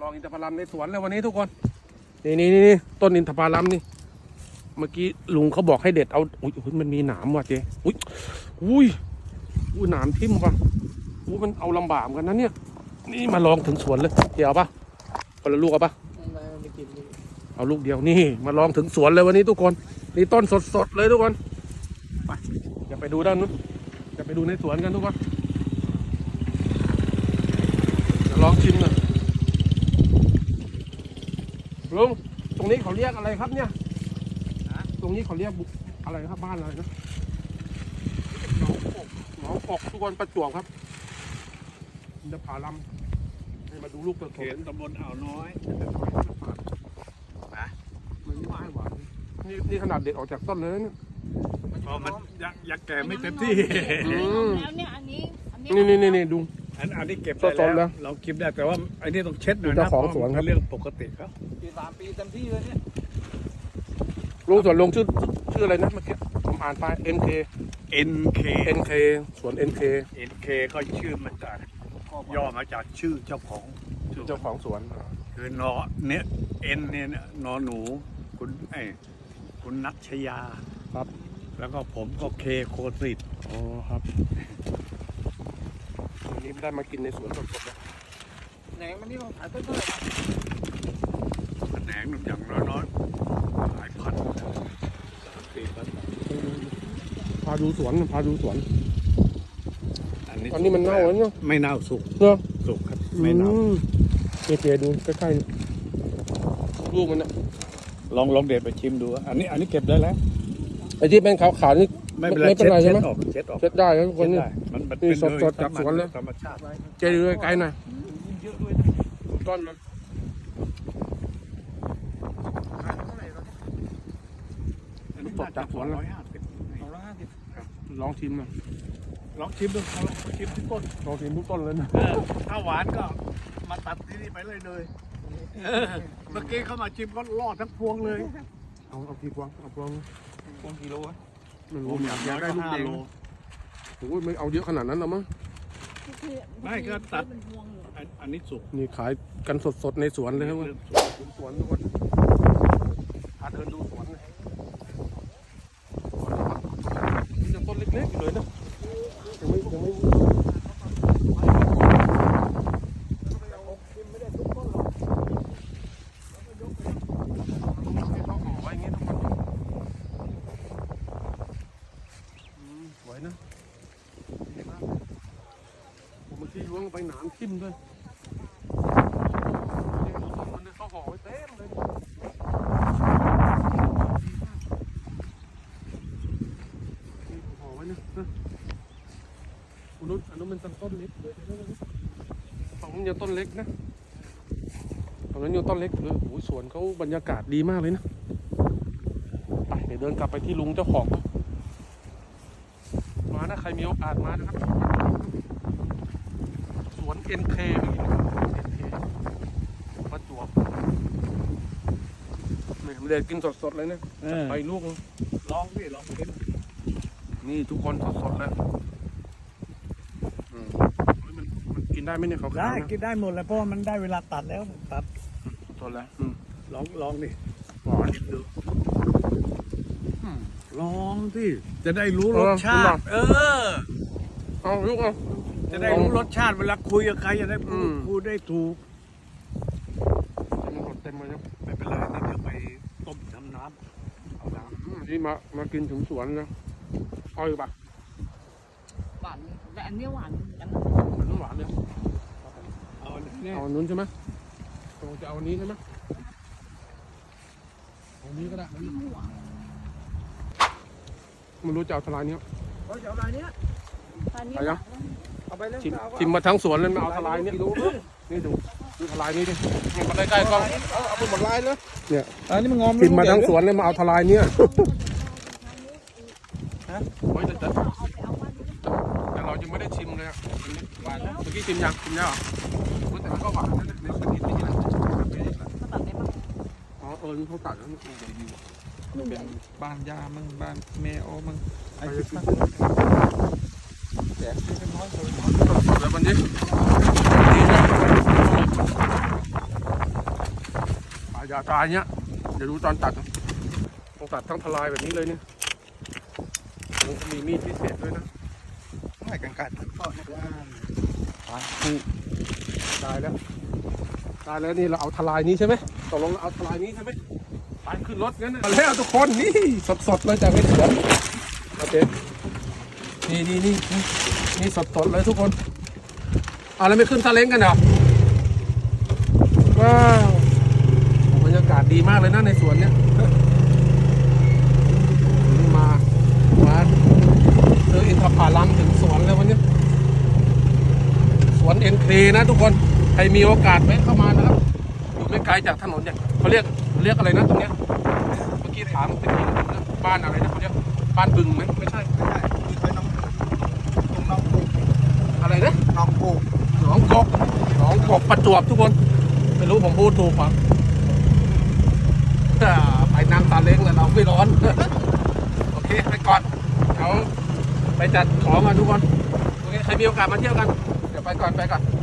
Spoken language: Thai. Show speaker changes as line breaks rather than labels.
ลองอินทผลัมในสวนแล้ววันนี้ทุกคนนี่ต้นอินทผลัมนี่เมื่อกี้ลุงเขาบอกให้เด็ดเอาอุ้ยมันมีหนามว่ะเจ๊อุ้ยหนามทิ่มว่ะมันเอาลำบากกันนะเนี่ยนี่มาลองถึงสวนเลยเดี๋ยวเอาปะคนละลูกเอาปะเอาลูกเดียวนี่มาลองถึงสวนเลยวันนี้ทุกคนนี่ต้นสดเลยทุกคนไปอย่าไปดูด้านนู้นจะไปดูในสวนกันทุกคนจะลองชิมหน่อยลุงตรงนี้เขาเรียกอะไรครับเนี่ยตรงนี้เขาเรียกอะไรครับบ้านอะไรนะหนองปกทุกคนประจวบครับจะผ่าลำให้มาดูลูกตัวเขียนตำบลอ่าวน้อยนะมันไม่หวานนี่ขนาดเด็ดออกจากต้นเลยเนี่ย
พอมันยังแก่ไม่เต็มที่
แล้วเนี่ยอัน
นี่ดู
อันนี้เก็บได้แล้วเราเก็บได้แต่ว่าอันนี้ต้องเช็ดหน่อยนะ
ของสวนครับ
เรื่องปกติครับ
3 ปีเต็มที่เลยเนี่ย
ลุงสวนลุงชื่ออะไรนะเมื่อกี้ผมอ่านไป NK สวน NK
ก็ชื่อมันจากย่อมาจากชื่อเจ้าของ
สวน
คือนอเนี่ยเนี่ยนอหนูคุณนัชยา
ครับ
แล้วก็ผมก็เคโคสิต
อ๋อครับวันนี้ไม่ได้มากินในสวนสดๆนะ
แหนงมันนี่เราขายต้นเท่าไหร่
แหนงอย่างน้อยหลายพัน
พาดูสวนอันนี้มันเน่าแล้วเนาะ
ไม่เน่าสุกสุกครับไม่เน่า
เจดูใกล้ๆลูกมันนะ
ลองเด็ดไปชิมดูอันนี้เก็บได้แล้ว
ไอ้ที่เป็นขาวๆนี่
ไม่เป็นไรใช่ไหมเช็ด
ได้ครับทุกคนนี่สดจากสวนเลย
ธรรมชาติ
เจดูใกล้ๆหน่อยต้นมันสดจากสวนเลยลองชิมหน่อย
ลองชิมดูลองชิมทุกต้น
ลองชิมทุกต้นเลยนะ
ถ้าหวานก็มาตัดที่นี่ไปเลยเมื่อกี้เขามาชิมก็รอดทั้งพวงเลย
เอากี่พวง
พวงกิโลอะ
ผมอยากได้ลูกเองโอ้ยไม่เอาเยอะขนาดนั้นหรอมั้ง
ไม่ก็ตัดอันนี้สุก
นี่ขายกันสดๆในสวนเลยครับสวนทุกคนพาเดินดูสวนเลยยังต้นเล็กๆอยู่เลยนะยังไม่สวยนะผมเมื่อกี้ล้วงไปหนามทิ่มด้วยมันเขาห่อไว้เต็มเลยห่อไว้นะอันนู้นเป็นต้นเล็กเลยฝั่งนั้นยังต้นเล็กนะฝั่งนั้นยังต้นเล็กเลยโอ้ยสวนเขาบรรยากาศดีมากเลยนะไปเดี๋ยวเดินกลับไปที่ลุงเจ้าของมานะใครมีโอกาสมานะครับสวน NK ประจวบไม่ได้กินสดๆเลยนะไปลูก
ลองกิน
นี่ทุกคนสดๆเลยมันกินได้ไหมเนี่ยเขา
ได้กินได้หมดแล้วเพราะมันได้เวลาตัดแล้วตัด
สดแล้ว
ลองดิ
หวานดู
ลองที่จะได้รู้รสชาติ
เอาลูกเอา
จะได้รู้รสชาติเวลาคุยกับใครจะได้พูดได้ถูก
เต็มเลยครับ
ไม่เป็นไรนี่เดี๋ยวไปต้มทำน้ำเอาน้
ำนี่มากินถึงสวนนะเอาอยู่ปะ
หวานแต่อันนี้หวานกัน
มันหวานเลยเอานู้นใช่ไหมเราจะเอานี้ใช่ไหมเอานี้ก็ได้มันรู้จะเอาทลายนี้
เอาจะเอาอะไรเนี้ย
ไปยัง
เอาไปเลย
ชิมมาทั้งสวนเลยมาเอาทลายนี้นี่ดูทลายนี้ดิมันใกล้ๆกล้อง
เอาไปหมดลายเลย
เนี่ย
อันนี้มันงอม
ชิมมาทั้งสวนเลยมาเอาทลายนี้ไว้แต่เรายังไม่ได้ชิมเลยหวานนะเมื่อกี้ชิมยังแล้วแต่มันก็หวานนะเนี่ยมันกินไม่ได้อ๋อนี่เขาตัดแล้วนี่
เป็นบ้านยามั่งบ้านแมวมั่งไอ้ที่แต่ที่เป็นน้อยเลย
สดๆเลยวันนี้อย่าตายเนี้ยเดี๋ยวดูตอนตัดนะต้องตัดทั้งทลายแบบนี้เลยเนี่ยผมก็มีมีดพิเศษด้วยนะ
ไม่กันกัด
ก็เนี่ยว่า
นี่ได้แล้วได้แล้วนี่เราเอาทลายนี้ใช่ไหมตกลงเราเอาทลายนี้ใช่ไหมไปขึ้นรถงั้นนะมาแล้วทุกคนนี่สดๆเลยจากในสวนโอเคนี่สดๆเลยทุกคนเอาแล้วไม่ขึ้นซาเล้งกันเหรอว้าวบรรยากาศดีมากเลยนะในสวนเนี้ยนี่มาซื้ออินทผลัมถึงสวนเลยวันนี้สวนเอ็นเคนะทุกคนใครมีโอกาสแวะเข้ามานะครับอยู่ไม่ไกลจากถนนเนี่ยเขาเรียกอะไรนะตรงเนี้ยเมื่อกี้ถามเป็นบ้านอะไรนะเขาเรียกบ้านบึงไหมไม่ใช่
ไม่ได้คือเคยน้องตรงน้องปลูก
อะไรนะ
น้องปลูก
หนองกบประจวบทุกคนไม่รู้ผมพูดถูกป่ะไปนั่งซาเล้งแล้วเราไม่ร้อน โอเคไปก่อนเขาไปจัดของกันทุกคนโอเคใครมีโอกาสมาเที่ยวกันเดี๋ยวไปก่อน